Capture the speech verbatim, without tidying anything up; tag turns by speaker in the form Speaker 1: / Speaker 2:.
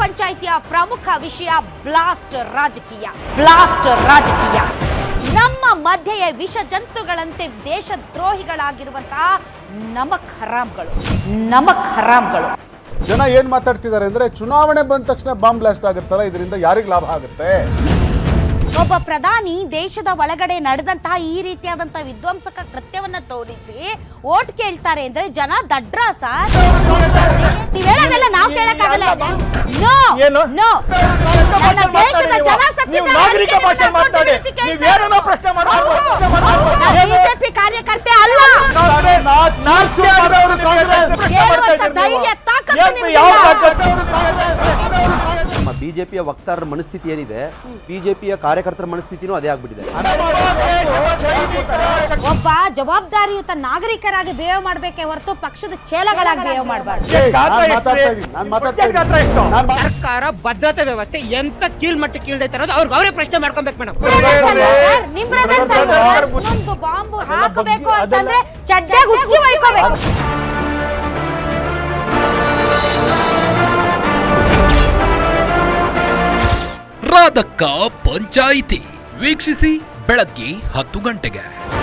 Speaker 1: ಪಂಚಾಯಿತಿಯ ಪ್ರಮುಖ ವಿಷಯ ಬ್ಲಾಸ್ಟ್ ರಾಜಕೀಯ ಬ್ಲಾಸ್ಟ್ ರಾಜಕೀಯ ನಮ್ಮ ಮಧ್ಯೆಯೇ ವಿಷ ಜಂತುಗಳಂತೆ ದೇಶದ್ರೋಹಿಗಳಾಗಿರುವಂತಹ ನಮಕ್ ಹರಾಮ್ಗಳು ನಮಕ್ ಹರಾಮ್ಗಳು.
Speaker 2: ಜನ ಏನ್ ಮಾತಾಡ್ತಿದ್ದಾರೆ ಅಂದ್ರೆ ಚುನಾವಣೆ ಬಂದ ತಕ್ಷಣ ಬಾಂಬ್ ಬ್ಲಾಸ್ಟ್ ಆಗುತ್ತಲ್ಲ, ಇದರಿಂದ ಯಾರಿಗೆ ಲಾಭ ಆಗುತ್ತೆ?
Speaker 1: ಒಬ್ಬ ಪ್ರಧಾನಿ ದೇಶದ ಒಳಗಡೆ ನಡೆದಂತಹ ಈ ರೀತಿಯಾದಂತಹ ವಿಧ್ವಂಸಕ ಕೃತ್ಯವನ್ನ ತೋರಿಸಿ ಓಟ್ ಕೇಳ್ತಾರೆ ಅಂದ್ರೆ ಜನ ದಡ್ರ ಸರ್. ಹೇಳೋದೆಲ್ಲ ನಾವು ಕೇಳಕ್ಕಾಗಲ್ಲ. ನೋ ನೋ ನನ್ನ ದೇಶದ ಜನ ಬಿಜೆಪಿ ಕಾರ್ಯಕರ್ತೆ ಅಲ್ಲ. ಧೈರ್ಯ ತಾಕತ್ತು
Speaker 3: ನಮ್ಮ ಬಿಜೆಪಿಯ ವಕ್ತಾರರ ಮನಸ್ಥಿತಿ ಏನಿದೆ, ಬಿಜೆಪಿಯ ಕಾರ್ಯಕರ್ತರ ಮನಸ್ಥಿತಿನೂ ಅದೇ ಆಗ್ಬಿಟ್ಟಿದೆ.
Speaker 1: ಒಬ್ಬ ಜವಾಬ್ದಾರಿಯುತ ನಾಗರಿಕರಾಗಿ ಬಿಹೇವ್ ಮಾಡಬೇಕೆ ಹೊರತು ಪಕ್ಷದ ಚೇಲಗಳಾಗಿ ಬಿಹೇವ್ ಮಾಡಬಾರ್ದು.
Speaker 4: ಸರ್ಕಾರ ಭದ್ರತಾ ವ್ಯವಸ್ಥೆ ಎಂತ ಕೀಳ್ಮಟ್ಟ ಕೀಳ್ದೈತೆ ಅನ್ನೋದು ಅವ್ರಿಗೆ ಅವರೇ ಪ್ರಶ್ನೆ ಮಾಡ್ಕೊಬೇಕು ಮೇಡಮ್.
Speaker 1: ಒಂದು ಬಾಂಬ್ ಹಾಕಬೇಕು ಅಂತಂದ್ರೆ ಚಡ್ಡೆ ಹುಚ್ಚಿ ಒಯ್ಕೋಬೇಕು.
Speaker 5: ರಾಧಕ್ಕ ಪಂಚಾಯಿತಿ ವೀಕ್ಷಿಸಿ ಬೆಳಗ್ಗೆ ಹತ್ತು ಗಂಟೆಗೆ.